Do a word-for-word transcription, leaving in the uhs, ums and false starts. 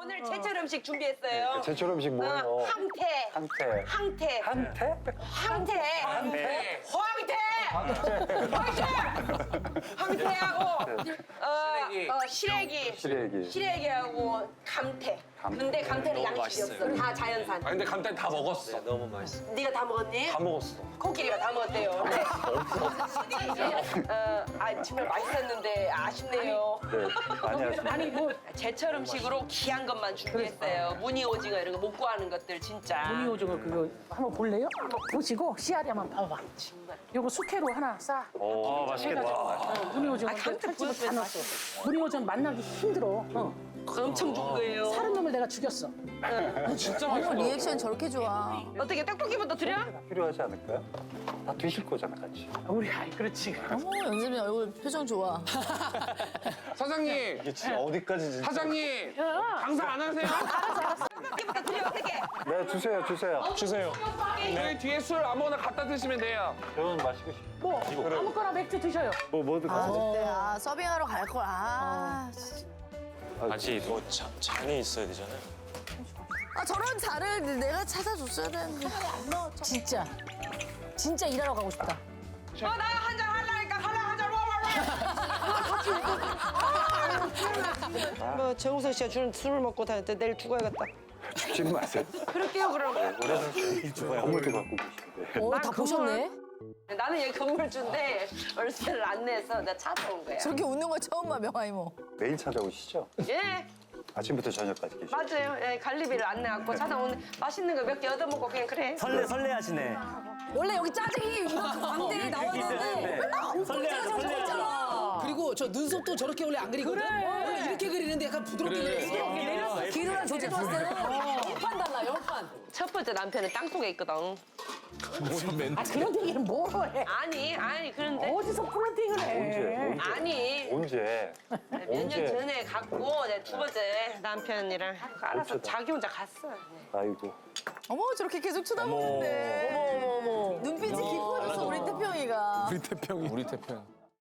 오늘 제철 음식 준비했어요. 제철 음식 뭐예요? 어, 항태. 항태. 항태. 한태? 항태. 항태. 황태. 황태. 황태하고 어, 어, 시래기. 시래기. 시래기하고 감태. 감태. 근데 감태는 너무 양식이 맛있어요. 없어. 다 자연산. 아 근데 감탄 다 먹었어. 네, 너무 맛있어. 네가 다 먹었니? 다 먹었어. 코끼리가 다 먹었대요. 네. 어, 아 정말 맛있었는데 아쉽네요. 네, 많이 하시네. 아니 뭐 제철 음식으로 귀한 것만 준비했어요. 무늬 오징어 이런 거 못 구하는 것들 진짜. 무늬 오징어 그거 한번 볼래요? 한번 보시고 씨알이 한번 봐봐. 정말. 요거 숙회로 하나 싸. 오, 맛있겠다. 어, 무늬 오징어 아, 감태 칼집을 다 보여줘야 넣었어. 무늬 오징어 만나기 힘들어. 어. 엄청 준 거예요. 사는 놈을 내가 죽였어. 진짜 어머, 맛있어. 리액션 저렇게 좋아. 어떻게 떡볶이부터 드려? 필요하지 않을까요? 다 드실 거잖아, 같이. 우리 아이 그렇지. 어머, 연습이 얼굴 표정 좋아. 사장님, 이게 진짜 어디까지 진짜. 사장님, 장사 안 하세요? 떡볶이부터 드려 어떻게? 네, 주세요, 주세요. 주세요. 여기 뒤에 술 아무거나 갖다 드시면 돼요. 저는 마시고 싶어. 뭐 아무거나 맥주 드셔요. 뭐, 뭐든 가져. 그때 아 서빙하러 갈 걸. 아, 아직 뭐 자, 잔이 있어야 되잖아요. 아 저런 자를 내가 찾아줬어야 되는데. 진짜. 진짜 일하러 가고 싶다. 어 나 한 잔 할라니까 할라 한잔 와와와. 뭐 정우성 씨가 주는 술을 먹고 다녔대 내일 죽어야겠다. 죽지는 마세요. 그럴게요 그럼. 오래 사세요. 건물도 갖고 계신데. 어, 다 보셨네? 나는 여기 건물주인데 월세를 안 내서 내가 찾아온 거야. 저렇게 웃는 거 처음 봐, 명아 이모. 매일 찾아오시죠? 예 아침부터 저녁까지 계시죠? 맞아요. 예, 갈비를 안 내갖고 찾아오는 맛있는 거 몇 개 얻어먹고 그냥 그래. 설레 설레하시네. 원래 여기 짜증이 이만큼 광대에 나왔는데 맨날 엄청 설레하죠, 짜증 설레하죠. 잖아 그리고 저 눈썹도 저렇게 원래 안 그리거든? 원래 이렇게 그리는데 약간 부드럽게 그렸어. 기루랑 조제 좋았을 때는 영판 달라, 영판. 첫 번째 남편은 땅속에 있거든. 아 그런 얘기는 뭐로 해? 아니 아니 그런데 어디서 플러팅을 해? 언제? 언제? 아니 언제? 몇 년 언제? 전에 갔고 내가 두 번째 남편이랑 알아서 어쩌다. 자기 혼자 갔어. 아이고. 어머, 저렇게 계속 쳐다보는데. 어머, 어머, 어머. 눈빛이 깊어졌어, 우리 태평이가. 우리 태평이. 우리 태평.